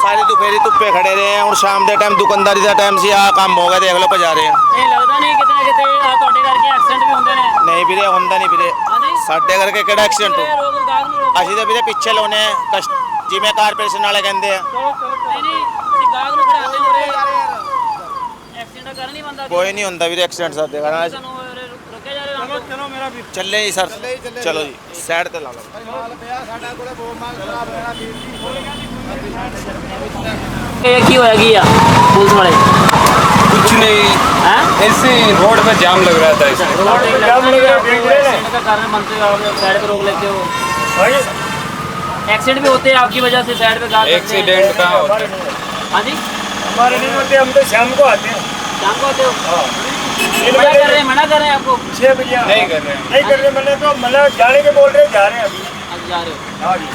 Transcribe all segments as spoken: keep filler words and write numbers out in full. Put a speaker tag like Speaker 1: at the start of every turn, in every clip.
Speaker 1: सारी दोपहरी धुप्पे खड़े रहे हैं। और शाम के टाइम दुकानदारी का टाइम से आ काम हो गया, देख लो पजा रहे हैं।
Speaker 2: ਇਹ ਲੱਗਦਾ ਨਹੀਂ ਕਿਤੇ ਨਾ ਕਿਤੇ ਆਹ ਤੁਹਾਡੇ ਕਰਕੇ ਐਕਸੀਡੈਂਟ ਵੀ ਹੁੰਦੇ ਨੇ?
Speaker 1: नहीं वीरे होंदा नहीं वीरे,
Speaker 2: ਹਾਂਜੀ
Speaker 1: साडे करके केड़ा एक्सीडेंट हो।
Speaker 2: ਰੋਕ ਗਾਹਕ ਨੂੰ ਰੋਕੋ।
Speaker 1: ਅਸੀਂ ਤਾਂ ਵੀਰੇ ਪਿੱਛੇ ਲਾਉਨੇ ਆ, ਕਸ- ਜਿਵੇਂ ਕਾਰਪੋਰੇਸ਼ਨ ਵਾਲੇ ਕਹਿੰਦੇ ਆ।
Speaker 2: ਨਹੀਂ ਨਹੀਂ ਤੁਸੀਂ ਗਾਹਕ ਨੂੰ ਖੜਾਉਂਦੇ ਹੋ ਐਕਸੀਡੈਂਟ ਕਰਨ ਨਹੀਂ ਬੰਦਾ
Speaker 1: ਕੋਈ ਨਹੀਂ ਹੁੰਦਾ ਵੀਰੇ ਐਕਸੀਡੈਂਟ ਸਾਡੇ ਘਰਾਂ 'ਚ।
Speaker 2: ਤੁਹਾਨੂੰ ਉਰੇ ਰੁ- ਰੁਕੇ ਜਾ ਰਹੇ ਹੋ ਚਲੋ ਮੇਰਾ ਵੀ
Speaker 1: ਚੱਲੇ ਜੀ ਸਰ, ਚਲੋ ਜੀ ਸਾਈਡ ਤੇ ਲਾ ਲਓ।
Speaker 2: ਇਹ ਕੀ ਹੋਇਆ ਕੀ ਆ ਪੁਲਿਸ ਵਾਲੇ
Speaker 3: कुछ नहीं,
Speaker 2: हैं
Speaker 3: ऐसे रोड पे जाम लग रहा था इसमें।
Speaker 2: रोड पे जाम लग रहा है एक्सीडेंट का कारण बनते हो आप साइड पे रोक लेते हो। एक्सीडेंट भी होते हैं आपकी वजह से साइड पे गाड़ी
Speaker 3: एक्सीडेंट कहाँ होता है?
Speaker 2: हाँ जी
Speaker 4: हमारे नहीं होते, हम तो शाम को आते हैं।
Speaker 2: शाम को आते हो
Speaker 4: ये
Speaker 2: मना कर रहे हैं मना कर रहे हैं आपको
Speaker 4: छः बजे
Speaker 3: नहीं कर रहे हैं।
Speaker 4: नहीं कर रहे, मैंने तो मतलब जाने के बोल रहे, जा रहे हैं अभी।
Speaker 2: आज जा रहे हो
Speaker 4: हाँ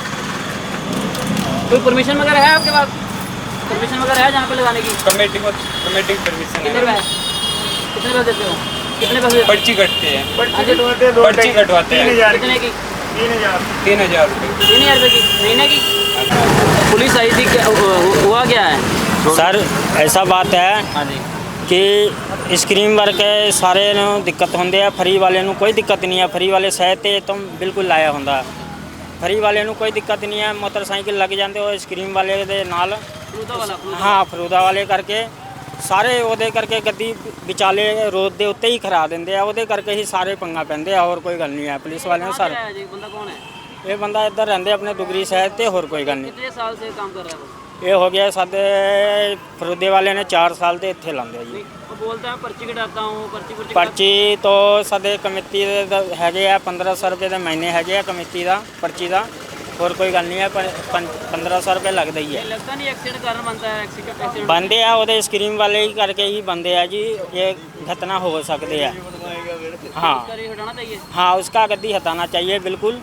Speaker 4: जी।
Speaker 2: कोई परमिशन वगैरह है आपके पास? परमिशन वगैरह है जहाँ पे लगाने की?
Speaker 3: कमेटी को कमेटी की परमिशन
Speaker 2: कितने
Speaker 3: है,
Speaker 2: पैसे कितने पैसे देते हो? कितने पैसे
Speaker 3: पर्ची कटती है,
Speaker 2: हाँ जी,
Speaker 4: कटवाते हैं, दो
Speaker 3: पर्ची
Speaker 4: ढाई-
Speaker 3: कटवाते
Speaker 4: तीन
Speaker 3: हैं।
Speaker 4: हजार
Speaker 2: कितने की?
Speaker 4: तीन हजार
Speaker 3: तीन हजार रुपये।
Speaker 2: तीन हज़ार रुपये की महीने की? पुलिस आई थी क्या हु- हुआ क्या है
Speaker 5: सर ऐसा बात है
Speaker 2: हाँ जी
Speaker 5: कि स्क्रीन वर्क है सारे ਨੂੰ ਦਿੱਕਤ ਹੁੰਦੇ ਆ ਫਰੀ ਵਾਲੇ ਨੂੰ ਕੋਈ ਦਿੱਕਤ ਨਹੀਂ ਆ ਫਰੀ ਵਾਲੇ ਸਹਿ ਤੇ ਤੁਮ ਬਿਲਕੁਲ ਲਾਇਆ ਹੁੰਦਾ ਫਰੀ ਵਾਲੇ ਨੂੰ ਕੋਈ ਦਿੱਕਤ ਨਹੀਂ ਹੈ ਮੋਟਰਸਾਈਕਲ ਲੱਗ ਜਾਂਦੇ ਉਹ ਸਕਰੀਨ ਵਾਲੇ ਦੇ ਨਾਲ
Speaker 2: फलूदा वाला फलूदा।
Speaker 5: ਹਾਂ ਫਰੂਦਾ ਵਾਲੇ ਕਰਕੇ ਸਾਰੇ ਉਹਦੇ ਕਰਕੇ ਗੱਡੀ ਵਿਚਾਲੇ ਰੋਡ ਦੇ ਉੱਤੇ ਹੀ ਖੜਾ ਦਿੰਦੇ ਆ ਉਹਦੇ ਕਰਕੇ ਹੀ ਸਾਰੇ ਪੰਗਾ ਪੈਂਦੇ ਆ ਹੋਰ ਕੋਈ ਗੱਲ ਨਹੀਂ ਹੈ ਪੁਲਿਸ ਵਾਲਿਆਂ ਨੂੰ
Speaker 2: कहाँ
Speaker 5: ਸਰ
Speaker 2: से आया जी बंदा कौन है?
Speaker 5: ਇਹ ਬੰਦਾ ਇੱਧਰ ਰਹਿੰਦੇ ਆਪਣੇ ਦੁਗਰੀ ਸ਼ਹਿਰ ਤੇ ਹੋਰ ਕੋਈ ਗੱਲ ਨਹੀਂ
Speaker 2: कितने साल से काम कर रहा है वो?
Speaker 5: ਇਹ ਹੋ ਗਿਆ ਸਾਡੇ ਫਰੂਦੇ ਵਾਲੇ ਨੇ ਚਾਰ ਸਾਲ ਦੇ ਇੱਥੇ ਲਾਉਂਦੇ ਆ ਜੀ
Speaker 2: नहीं वो बोलता है पर्ची कटाता हूँ पर्ची पर्ची
Speaker 5: ਪਰਚੀ ਤੋਂ ਸਾਡੇ ਕਮੇਟੀ ਦੇ ਦ- ਹੈਗੇ ਆ ਪੰਦਰਾਂ ਸੌ ਰੁਪਏ ਦੇ ਮਹੀਨੇ ਹੈਗੇ ਆ ਕਮੇਟੀ ਦਾ ਪਰਚੀ ਦਾ ਹੋਰ ਕੋਈ ਗੱਲ ਨਹੀਂ ਹੈ ਪਰ ਪੰ- ਪੰਦਰਾਂ ਸੌ ਰੁਪਏ ਲੱਗਦਾ ਹੀ
Speaker 2: ये
Speaker 5: ਹੈ
Speaker 2: लगता नहीं एक्सीडेंट कारण बनता है एक्सीडेंट एक्सीडेंट
Speaker 5: ਬੰਦੇ ਆ ਉਹਦੇ ਸਕਰੀਨ ਵਾਲੇ ਹੀ ਕਰਕੇ ਹੀ ਬੰਦੇ ਆ ਜੀ ਇਹ घटना हो सकते हैं हाँ
Speaker 2: करी हटाना चाहिए
Speaker 5: हाँ उसका गद्दी हटाना चाहिए बिल्कुल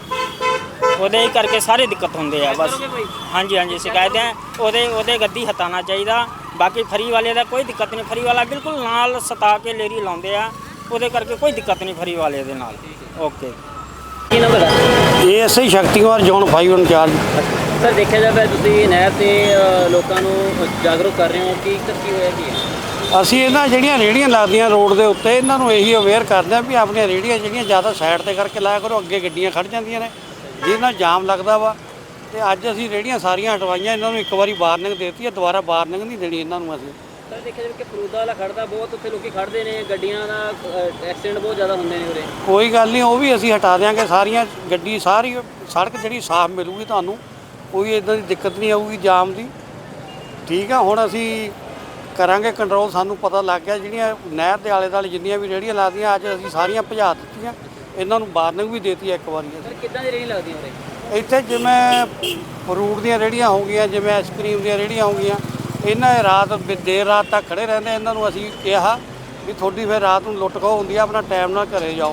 Speaker 5: ਉਹਦੇ ਹੀ ਕਰਕੇ ਸਾਰੇ ਦਿੱਕਤ ਹੁੰਦੇ ਆ ਬਸ
Speaker 2: करोगे भाई
Speaker 5: ਹਾਂਜੀ ਹਾਂਜੀ ਸ਼ਿਕਾਇਤਾਂ ਉਹਦੇ ਉਹਦੇ ਗੱਦੀ ਹਟਾਉਣਾ ਚਾਹੀਦਾ ਬਾਕੀ ਫਰੀ ਵਾਲੇ ਦਾ ਕੋਈ ਦਿੱਕਤ ਨਹੀਂ ਫਰੀ ਵਾਲਾ ਬਿਲਕੁਲ ਨਾਲ ਸਤਾ ਕੇ ਲੇਰੀ ਲਾਉਂਦੇ ਆ ਉਹਦੇ ਕਰਕੇ ਕੋਈ ਦਿੱਕਤ ਨਹੀਂ ਫਰੀ ਵਾਲੇ ਦੇ ਨਾਲ ਓਕੇ
Speaker 2: ਕੀ ਨੰਬਰ ਹੈ
Speaker 6: ਇਹ ਐਸਆਈ ਸ਼ਕਤੀਵਾਰ ਜ਼ੋਨ ਫਾਈਵ ਇੰਚਾਰਜ।
Speaker 2: ਸਰ ਦੇਖਿਆ ਜਾਵੇ ਤੁਸੀਂ ਨਹਿਰ ਤੇ ਅ, ਲੋਕਾਂ ਨੂੰ ਜਾਗਰੂਕ ਕਰ ਰਹੇ ਹੋ ਕਿ ਕੀ ਹੋਇਆ ਕੀ ਹੈ
Speaker 6: ਅਸੀਂ ਇਹਨਾਂ ਜਿਹੜੀਆਂ ਰੇਹੜੀਆਂ ਲੱਗਦੀਆਂ ਰੋਡ ਦੇ ਉੱਤੇ ਇਹਨਾਂ ਨੂੰ ਇਹੀ ਅਵੇਅਰ ਕਰਦੇ ਆ ਵੀ ਆਪਣੀਆਂ ਰੇਹੜੀਆਂ ਜਿਹੜੀਆਂ ਜ਼ਿਆਦਾ ਸਾਈਡ ਤੇ ਕਰਕੇ ਲਾਇਆ ਕਰੋ ਅੱਗੇ ਗੱਡੀਆਂ ਖੜ ਜਾਂਦੀਆਂ ਨੇ ਜਿਹਦੇ ਨਾਲ ਜਾਮ ਲੱਗਦਾ ਵਾ ਤੇ ਅੱਜ ਅਸੀਂ ਰੇਹੜੀਆਂ ਸਾਰੀਆਂ ਹਟਵਾਈਆਂ ਇਹਨਾਂ ਨੂੰ ਇੱਕ ਵਾਰੀ ਵਾਰਨਿੰਗ ਦੇਤੀ ਹੈ ਦੁਬਾਰਾ ਵਾਰਨਿੰਗ ਨਹੀਂ ਦੇਣੀ ਇਹਨਾਂ ਨੂੰ ਅਸੀਂ।
Speaker 2: ਸਰ ਦੇਖਿਆ ਜਾਵੇ ਕਿ ਫਰੂਦਾ ਵਾਲਾ ਖੜਦਾ ਬਹੁਤ ਉੱਥੇ ਲੋਕੀ ਖੜਦੇ ਨੇ ਗੱਡੀਆਂ ਦਾ ਐਕਸੀਡੈਂਟ ਬਹੁਤ ਜ਼ਿਆਦਾ ਹੁੰਦੇ ਨੇ ਉਰੇ
Speaker 6: ਕੋਈ ਗੱਲ ਨਹੀਂ ਉਹ ਵੀ ਅਸੀਂ ਹਟਾ ਦਿਆਂਗੇ ਸਾਰੀਆਂ ਗੱਡੀ ਸਾਰੀ ਸੜਕ ਜਿਹੜੀ ਸਾਫ਼ ਮਿਲੂਗੀ ਤੁਹਾਨੂੰ ਕੋਈ ਇਦਾਂ ਦੀ ਦਿੱਕਤ ਨਹੀਂ ਆਊਗੀ ਜਾਮ ਦੀ ਠੀਕ ਆ। ਹੁਣ ਅਸੀਂ ਕਰਾਂਗੇ ਕੰਟਰੋਲ ਸਾਨੂੰ ਪਤਾ ਲੱਗ ਗਿਆ ਜਿਹੜੀਆਂ ਨਹਿਰ ਦੇ ਆਲੇ ਦੁਆਲੇ ਜਿੰਨੀਆਂ ਵੀ ਰੇਹੜੀਆਂ ਲੱਗਦੀਆਂ ਅੱਜ ਅਸੀਂ ਸਾਰੀਆਂ ਭਜਾ ਦਿੱਤੀਆਂ ਇਹਨਾਂ ਨੂੰ ਵਾਰਨਿੰਗ ਵੀ ਦੇਤੀ ਇੱਕ ਵਾਰੀ
Speaker 2: ਸਰ ਕਿੱਦਾਂ ਦੀ ਰੇਹੜੀ ਲੱਗਦੀ ਉਰੇ
Speaker 6: ਇੱਥੇ ਜਿਵੇਂ ਫਰੂਟ ਦੀਆਂ ਰੇਹੜੀਆਂ ਹੋ ਗਈਆਂ ਜਿਵੇਂ ਆਈਸਕ੍ਰੀਮ ਦੀਆਂ ਰੇਹੜੀਆਂ ਹੋ ਗਈਆਂ ਇਹਨਾਂ ਇਹ ਰਾਤ ਵੀ ਦੇਰ ਰਾਤ ਤੱਕ ਖੜੇ ਰਹਿੰਦੇ ਇਹਨਾਂ ਨੂੰ ਅਸੀਂ ਕਿਹਾ ਵੀ ਤੁਹਾਡੀ ਫਿਰ ਰਾਤ ਨੂੰ ਲੁੱਟ ਖੋਹ ਹੁੰਦੀ ਆ ਆਪਣਾ ਟਾਈਮ ਨਾਲ ਘਰੇ ਜਾਓ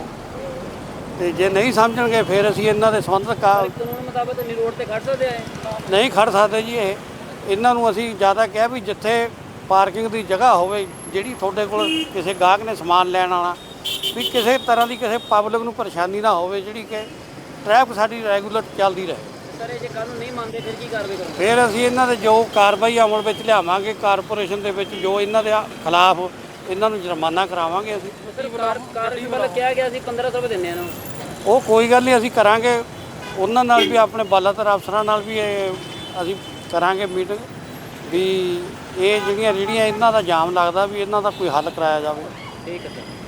Speaker 6: ਤੇ ਜੇ ਨਹੀਂ ਸਮਝਣਗੇ ਫਿਰ ਅਸੀਂ ਇਹਨਾਂ ਦੇ ਸੰਬੰਧਿਤ ਕਾ
Speaker 2: ਕਾਨੂੰਨ ਮੁਤਾਬਕ ਨਹੀਂ ਰੋਡ ਤੇ ਖੜ ਸਕਦੇ ਆ
Speaker 6: ਨਹੀਂ ਖੜ ਸਕਦੇ ਜੀ ਇਹ ਇਹਨਾਂ ਨੂੰ ਅਸੀਂ ਜ਼ਿਆਦਾ ਕਿਹਾ ਵੀ ਜਿੱਥੇ ਪਾਰਕਿੰਗ ਦੀ ਜਗ੍ਹਾ ਹੋਵੇ ਜਿਹੜੀ ਤੁਹਾਡੇ ਕੋਲ ਕਿਸੇ ਗਾਹਕ ਨੇ ਸਮਾਨ ਲੈਣ ਆਉਣਾ ਵੀ ਕਿਸੇ ਤਰ੍ਹਾਂ ਦੀ ਕਿਸੇ ਪਬਲਿਕ ਨੂੰ ਪਰੇਸ਼ਾਨੀ ਨਾ ਹੋਵੇ ਜਿਹੜੀ ਕਿ ਟ੍ਰੈਫਿਕ ਸਾਡੀ ਰੈਗੂਲਰ ਚੱਲਦੀ ਰਹੇ।
Speaker 2: ਸਰ ਇਹ ਜੇ ਕੱਲ ਨੂੰ ਨਹੀਂ ਮੰਨਦੇ ਫਿਰ ਕੀ ਕਾਰਵਾਈ ਕਰੋਗੇ
Speaker 6: ਫਿਰ ਅਸੀਂ ਇਹਨਾਂ ਦੇ ਜੋ ਕਾਰਵਾਈ ਅਮਲ ਵਿੱਚ ਲਿਆਵਾਂਗੇ ਕਾਰਪੋਰੇਸ਼ਨ ਦੇ ਵਿੱਚ ਜੋ ਇਹਨਾਂ ਦੇ ਖਿਲਾਫ ਇਹਨਾਂ ਨੂੰ ਜੁਰਮਾਨਾ ਕਰਾਵਾਂਗੇ ਅਸੀਂ।
Speaker 2: ਸਰ ਕਾਰ ਕਾਰ ਵੱਲੋਂ ਕਿਹਾ ਗਿਆ ਸੀ ਪੰਦਰਾਂ ਸੌ ਰੁਪਏ ਦਿੰਦੇ ਆ ਇਹਨੂੰ
Speaker 6: ਉਹ ਕੋਈ ਗੱਲ ਨਹੀਂ ਅਸੀਂ ਕਰਾਂਗੇ ਉਹਨਾਂ ਨਾਲ ਵੀ ਆਪਣੇ ਬਾਲਾਤਰ ਅਫਸਰਾਂ ਨਾਲ ਵੀ ਇਹ ਅਸੀਂ ਕਰਾਂਗੇ ਮੀਟਿੰਗ ਵੀ ਇਹ ਜਿਹੜੀਆਂ ਰੇਹੜੀਆਂ ਇਹਨਾਂ ਦਾ ਜਾਮ ਲੱਗਦਾ ਵੀ ਇਹਨਾਂ ਦਾ ਕੋਈ ਹੱਲ ਕਰਾਇਆ ਜਾਵੇ।
Speaker 2: ਠੀਕ ਹੈ ਸਰ।